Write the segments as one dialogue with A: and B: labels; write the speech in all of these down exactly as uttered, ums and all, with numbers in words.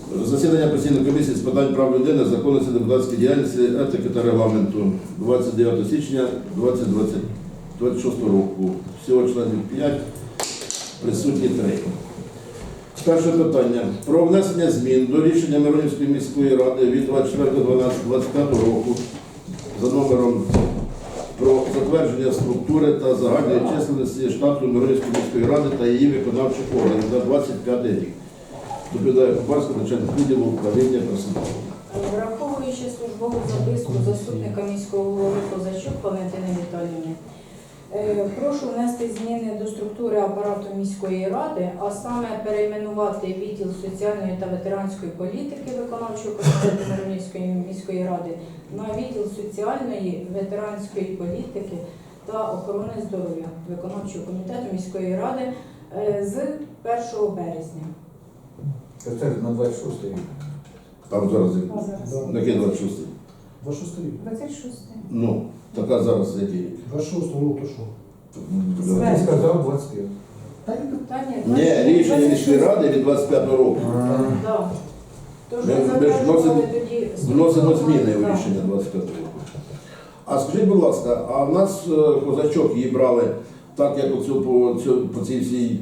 A: Засідання постійної комісії з питань прав людини, законності депутатської діяльності, етики та регламенту двадцять дев'ятого січня двадцять шостого року. Всього членів п'ять, присутні три. Перше питання. Про внесення змін до рішення Миронівської міської ради від двадцять четвертого дванадцятого двадцять п'ятого року за номером про затвердження структури та загальної численності штату Миронівської міської ради та її виконавчих органів на двадцять п'ятий рік. Доповідає Купарська, начальник відділу управління персоналу.
B: Враховуючи службову записку заступника міського голови Козачук Валентини Віталіївни, прошу внести зміни до структури апарату міської ради, а саме перейменувати відділ соціальної та ветеранської політики виконавчого комітету Миронівської міської ради на відділ соціальної, ветеранської політики та охорони здоров'я виконавчого комітету міської ради з першого березня.
C: Це на двадцять шостий рік.
A: Там зараз
B: А зараз?
A: який двадцять шостий?
D: двадцять шостий рік.
B: двадцять шостий.
A: Ну, така зараз який рік?
D: двадцять шостий, ну то що?
C: Ти сказав двадцять п'ять.
D: Та ні,
B: Та ні,
A: Ні, рішення міської ради від двадцять п'ятого року.
B: Так. Тож
A: Ми-
B: ми
A: ми ж
B: затверджували
A: вносимо-
B: тоді
A: Вносимо зміни у
B: Так.
A: рішення двадцять п'ятого року. А скажіть, будь ласка, а в нас е, Козачок її брали так, як оцю, по, цю, по цій всій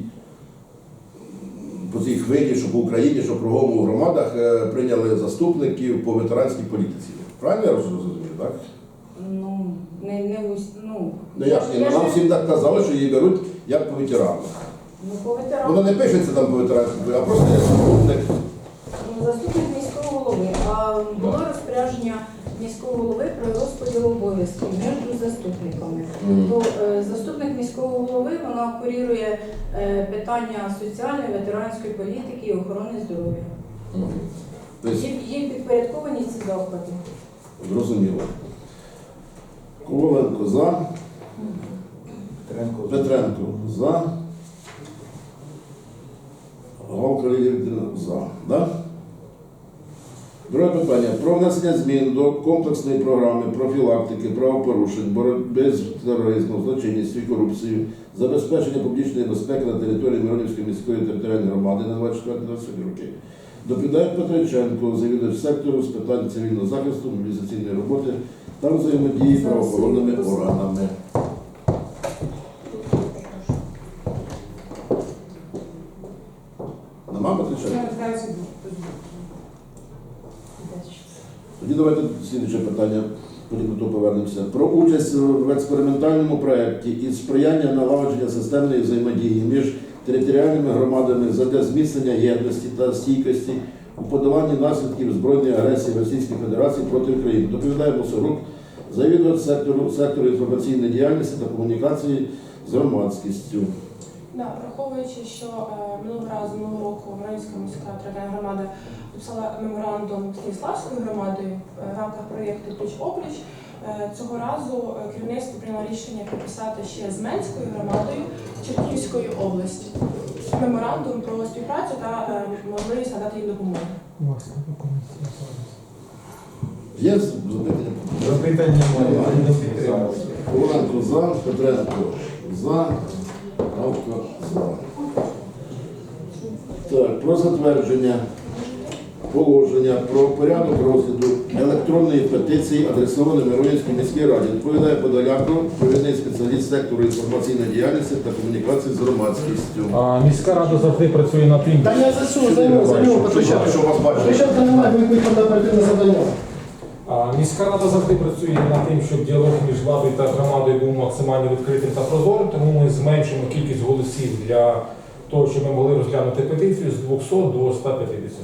A: по цій хвилі, що по Україні, що кругом у громадах е, прийняли заступників по ветеранській політиці. Правильно я розумію, так?
B: Ну, не, не ус- ну,
A: Ну як ні,
B: я
A: нам
B: ж-
A: всім так казали, що її беруть як по ветерану.
B: ну, по ветерану.
A: Воно не пишеться там по ветеранській, а просто як заступник.
B: Ну, заступник міського голови, а було розпорядження міського голови про розподіл обов'язків між заступниками.
A: Мгм.
B: То е, заступник міського голови вона курірує е, питання соціальної, ветеранської політики і охорони здоров'я.
A: Мгм. Тобто,
B: Їм, їм підпорядковані ці заклади.
A: зрозуміло. Коваленко за.
C: Петренко.
A: Петренко за. Галка Лілія Вікторівна за. Да? Друге питання. Про внесення змін до комплексної програми профілактики правопорушень, боротьби з тероризмом, злочинністю і корупцією, забезпечення публічної безпеки на території Миронівської міської територіальної громади на двадцять четвертий двадцять п'ятий роки. Доповідає Петриченко, завідувач сектору з питань цивільного захисту, мобілізаційної роботи та взаємодії з правоохоронними органами. Нема Петриченко? Тоді давайте слідче питання, потім до того повернемося. Про участь в експериментальному проєкті і сприяння налагодження системної взаємодії між територіальними громадами задля зміцнення єдності та стійкості у подоланні наслідків збройної агресії Російської Федерації проти України. Доповідає Мусорук, завідувач сектору, сектору інформаційної діяльності та комунікації з громадськістю.
E: Да, враховуючи, що е, минулого разу минулого року Миронівська міська територіальна громада підписала меморандум з Київславською громадою е, в рамках проєкту Пліч-опліч, е, цього разу е, керівництво прийняло рішення підписати ще з Менською громадою Чернігівської області меморандум про співпрацю та е, можливість надати їм допомогу.
A: Є запитання?
C: Запитання немає. Не підтримав.
A: Коваленко за, Петренко за, Галка за. Так, про затвердження положення про порядок розгляду електронної петиції, адресованої Миронівській міській раді. Відповідає Подоляко, провідний спеціаліст сектору інформаційної діяльності та комунікації з громадськістю.
F: А міська рада завжди працює над тим.
D: Та я за що, за нього, за нього Петриченко.
A: Що вас бачите?
D: Петриченка немає, ви будете оперативне завдання.
F: А міська рада завжди працює над тим, щоб діалог між владою та громадою був максимально відкритим та прозорим, тому ми зменшимо кількість голосів для того, щоб ми могли розглянути петицію з двохсот до ста п'ятдесят.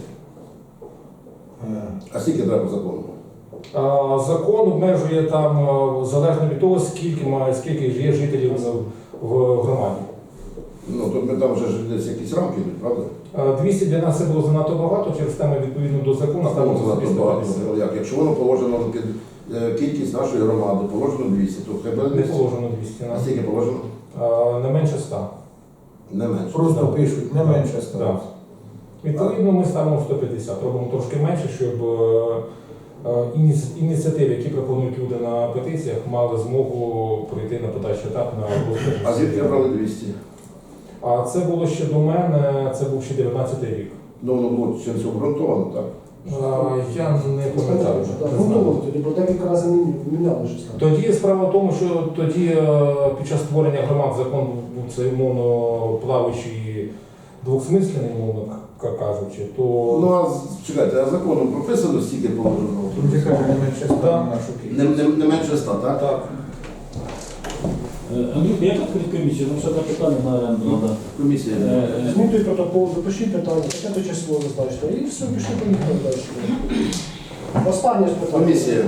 A: А скільки треба закону?
F: А, закон обмежує там а, залежно від того, скільки має, скільки є жителів в, в громаді.
A: Ну, тут ми там вже ж десь якісь рамки йдуть, правда?
F: А, двісті для нас це було занадто багато, через те ми відповідно до закону ставимо
A: Там
F: двісті
A: багато.
F: п'ятдесят.
A: Як? Якщо воно положено під е, кількість нашої громади, положено двісті, то хай буде
F: Не
A: двісті.
F: положено двісті.
A: А скільки положено?
F: А, не менше ста.
A: Не менше.
C: Просто
F: Так.
C: пишуть, не менше
F: Так.
C: стало.
F: Відповідно, ми ставимо сто п'ятдесят, робимо трошки менше, щоб е, е, ініці- ініціативи, які пропонують люди на петиціях, мали змогу пройти на подальший етап на розгляд.
A: А звідки брали двісті?
F: А це було ще до мене, це був ще дев'ятнадцятий рік.
A: Ну, воно було чимось обґрунтовано, так?
F: А, Я не пам'ятаю.
D: Так,
F: не
D: ну,
F: знаю.
D: ну, тоді, бо декілька разів міняли щось там.
F: Тоді справа в тому, що тоді е, під час створення громад закон був це умовно плаваючий двохсмислений, умовно к- кажучи, то
A: Ну, а з- чекайте, а законом прописано стільки положено?
C: Тут же каже, не менше ста
F: Да.
C: на нашу
A: Не,
C: кількість.
A: не, не менше ста, так?
F: так.
G: Е, Андрюха, як відкрити комісію? Ну, ще два питання на оренду треба.
A: Комісія.
G: Е, е,
D: Змінюй протокол, запишіть питання, таке то число зазначте. І все, пішли поїхали далі. Останнє ж питання.
A: Комісія.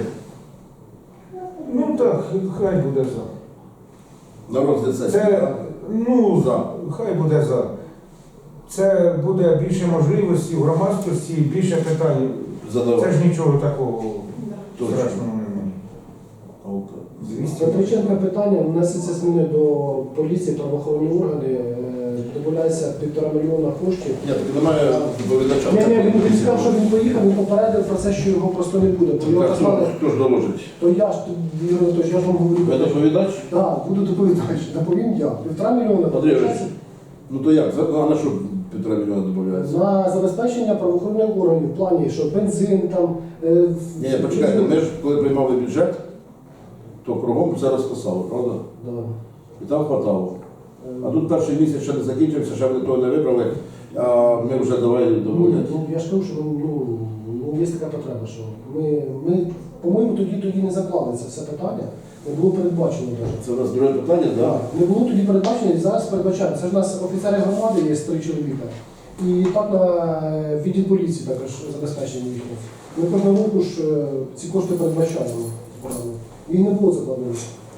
C: Ну так, хай буде за.
A: На розгляд сесії.
C: Це,
A: так?
C: ну,
A: За.
C: хай буде за. Це буде більше можливості в громадськості, більше питань. Це
A: Задавати.
C: ж нічого такого
A: Точно.
C: страшного немає.
A: Окей.
D: Петриченка питання, внесеться зміни до поліції, правоохоронні органи, е, додається півтора мільйона коштів.
A: Ні, так немає доповідача.
D: Ні, ні, він, він сказав, що він поїхав, він попередив про це, що його просто не буде. Бо його
A: Так, хто,
D: назвали,
A: хто ж доложить?
D: то я ж, Ігор Анатолійович, я ж вам говорю.
A: Ви доповідач?
D: Так, буду доповідач, доповім я. Півтора мільйона
A: Андрій Ігорович, ну то як? За- А на що півтора мільйона додається?
D: на забезпечення правоохоронних органів в плані, що бензин там. е, в-
A: Ні, почекайте, ми ж коли приймали бюджет, то кругом все розписали, правда?
D: Да.
A: І там хватало. А тут перший місяць ще не закінчився, ще вони того не вибрали, а ми вже давай
D: Ну,
A: доводять.
D: ну, я ж кажу, що ну, ну, є така потреба, що ми, ми по-моєму, тоді тоді не заклали це все питання, не було передбачено навіть.
A: Це у нас друге питання, так?
D: Так, не було тоді передбачено і зараз передбачаємо. Це ж у нас офіцери громади є три чоловіка. І так на е, відділ поліції також забезпечення їхнє. Ми кожного року ж е, ці кошти передбачаємо. Їх не було закладено.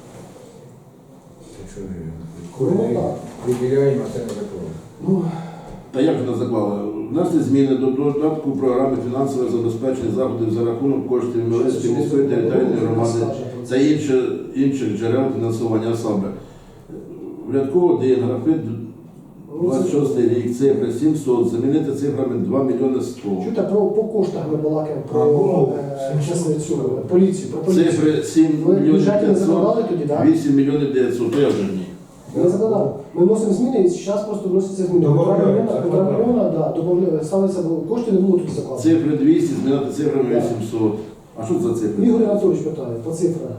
C: Якщо
D: Ну,
C: кожен
D: так.
C: виділяємо, а це не закон.
D: Ну,
A: Та як же не заклали? Внесли зміни до додатку програми фінансове забезпечення заходів за рахунок коштів Мілецької міської територіальної громади та інші, інших джерел фінансування саме. В рядку один графит двадцять шостий рік, цифри сімсот, замінити цифрами два мільйони сто.
D: чуєте, про по коштах ми балакаємо, про
C: А, було.
D: е, чесно, цю поліцію, про поліцію.
A: Цифри сім
D: Ви в
A: мільйонів
D: бюджеті не закладали
A: п'ятсот,
D: тоді, так?
A: вісім мільйонів дев'ятсот, то я вже ні.
D: Не закладали. Ми вносимо зміни і зараз просто вносяться зміни. Півтора
C: Добавляють,
D: мільйона, півтора
C: закладали.
D: мільйона, да, добавляють, ставиться, бо кошти не було тоді закладено.
A: Цифри двісті, змінити цифрами
D: Так.
A: вісімсот. А що це за цифри?
D: Ігор Анатолійович питає по цифрах.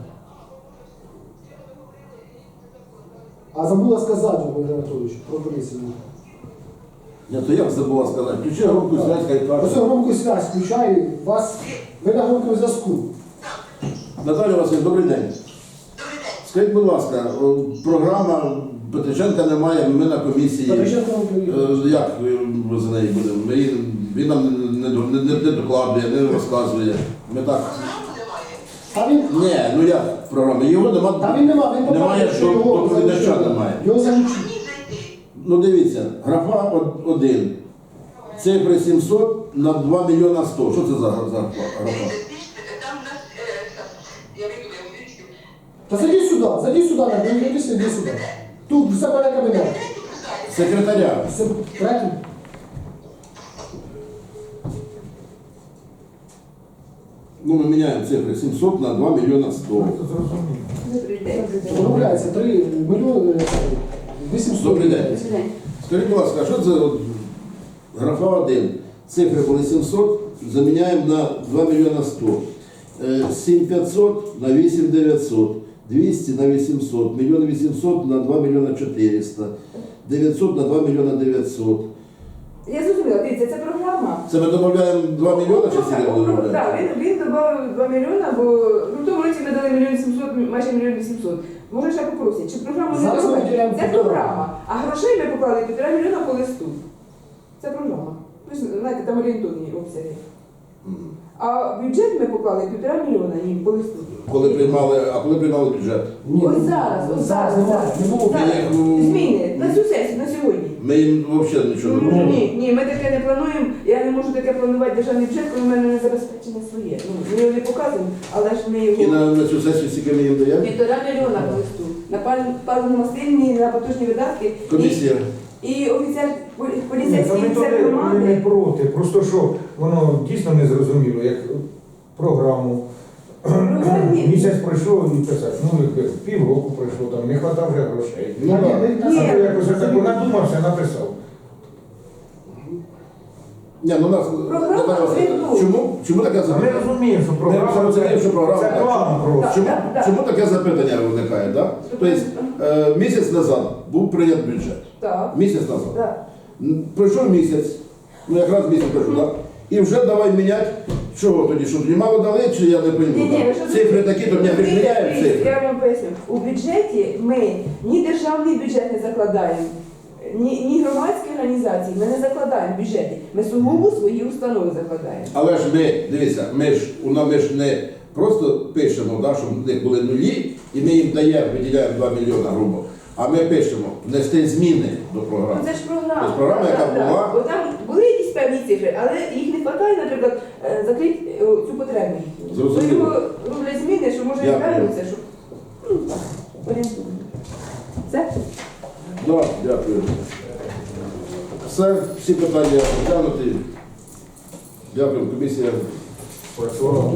D: А забула сказати, Ігор Анатолійович, про поліцію.
A: Ні, то як забула сказати? Включи громку зв'язь, хай
D: Ось
A: каже.
D: громку связь включаю, вас, ви на громкому зв'язку.
A: Наталя Васильівна, добрий день. Скажіть, будь ласка, о, програма Петриченка немає, ми на комісії.
D: Петриченко вам приїхав.
A: Е, Як ми за неї будемо? Ми, її- він нам не, не, не, не, не докладує, не розказує. Ми так.
D: А він,
A: Ні, ну як програма? Його нема.
D: та він нема, він
A: Немає,
D: показує,
A: що
D: його
A: доповідача
D: залучили.
A: немає.
D: Його залучили.
A: Ну дивіться, графа од- один. Цифри сімсот на два мільйона сто. Що це за гра- за графа?
H: Там у нас, е, я вийду, я вирішив.
D: Та зайди сюди, зайди сюди, не дивися, іди сюди. Тут все мене кабінет.
A: Секретаря.
D: Все, третій.
A: Ну, ми міняємо цифри сімсот на два мільйона сто.
C: Це зрозуміло.
D: Домовляється, три мільйони, е, вісімсот.
A: Добрий день. Скажіть, будь ласка, а що це от графа один? Цифри були сімсот, заміняємо на два мільйона сто. Е, сім п'ятсот на вісім дев'ятсот. двісті на вісімсот. мільйон вісімсот на два мільйона чотириста. дев'ятсот на два мільйона дев'ятсот.
I: Я зрозуміла, дивіться, це програма.
A: Це ми додаємо два мільйони чи скільки ми додаємо?
I: Так, він, він додав два мільйона, бо ну, в тому році ми дали мільйон сімсот, майже мільйон вісімсот. Може ще попросять, чи програму не
D: Зараз ми
I: додають?
D: виділяємо
I: Це
D: півтора.
I: програма. А грошей ми поклали півтора мільйона по листу. Це програма. Ви ж знаєте, там орієнтовні обсяги.
A: Мгм.
I: А бюджет ми поклали півтора мільйона їм по листу.
A: Коли приймали, а коли приймали бюджет?
D: Ні,
I: Ось зараз, ось зараз,
D: немає,
I: зараз.
D: не було.
I: Зараз.
A: ну,
I: Зміни на цю сесію, на сьогодні.
A: Ми їм взагалі нічого не
I: Ну,
A: робимо.
I: ні, ні, ми таке не плануємо. Я не можу таке планувати державний бюджет, коли в мене не забезпечення своє. Ну, ми його не показуємо, але ж ми
A: І
I: його
A: на, на цю сесію скільки ми їм даємо?
I: півтора мільйона по листу. На паливно-мастильні, на потужні видатки.
A: Комісія.
I: І, і офіцер, полі-
C: Ні, та
I: поліцейський
C: ми
I: офіцер
C: туди ми не
I: громади.
C: проти. Просто що воно дійсно не зрозуміло, як програму.
I: Програмі-
C: Місяць пройшов і писати. Ну, як півроку пройшло, там не хватав вже грошей.
D: Ні, ні,
C: а
D: ні.
C: то якось так надумався, написав.
A: Ні, ну у нас
I: Програма
A: Наталя Василівна,
I: звітує.
A: чому, чому таке
C: А ми
A: запитання?
C: розуміємо, що
A: Ми
C: програма
A: розуміємо, що програма
C: це
A: так.
C: план просто.
A: Чому,
I: Так, так.
A: чому таке запитання виникає? Да? Тобто е, місяць назад був прийнят бюджет.
I: Так.
A: Місяць назад.
I: Так.
A: М, Пройшов місяць, ну якраз місяць пройшов, так? І вже давай міняти. Чого тоді? Що тоді мало дали, чи я не пойму?
I: Ні, ні,
A: так?
I: ви що
A: Цифри
I: зробите?
A: такі, то мені
I: Дивіться,
A: міняємо
I: дивіться,
A: цифри.
I: Я вам поясню. У бюджеті ми ні державний бюджет не закладаємо, ні, ні громадські організації ми не закладаємо в бюджеті. Ми сугубо свої установи закладаємо.
A: Але ж ми, дивіться, ми ж, у нас ми ж не просто пишемо, да, щоб в них були нулі, і ми їм даємо, виділяємо два мільйони грубо. А ми пишемо внести зміни до програми.
I: Ну, це ж програма.
A: Тобто програма,
I: Так,
A: яка
I: так, так.
A: була.
I: Бо там були якісь певні цифри, але їх не вистачає, наприклад, е, закрити е, цю потребу. їхню.
A: Зрозуміло.
I: То його роблять зміни, що може і
A: Дякую.
I: вернутися, щоб ну, так, орієнтовно. Все?
A: Да, дякую. Все, всі питання розглянуті. Дякую, комісія.
C: Працювала.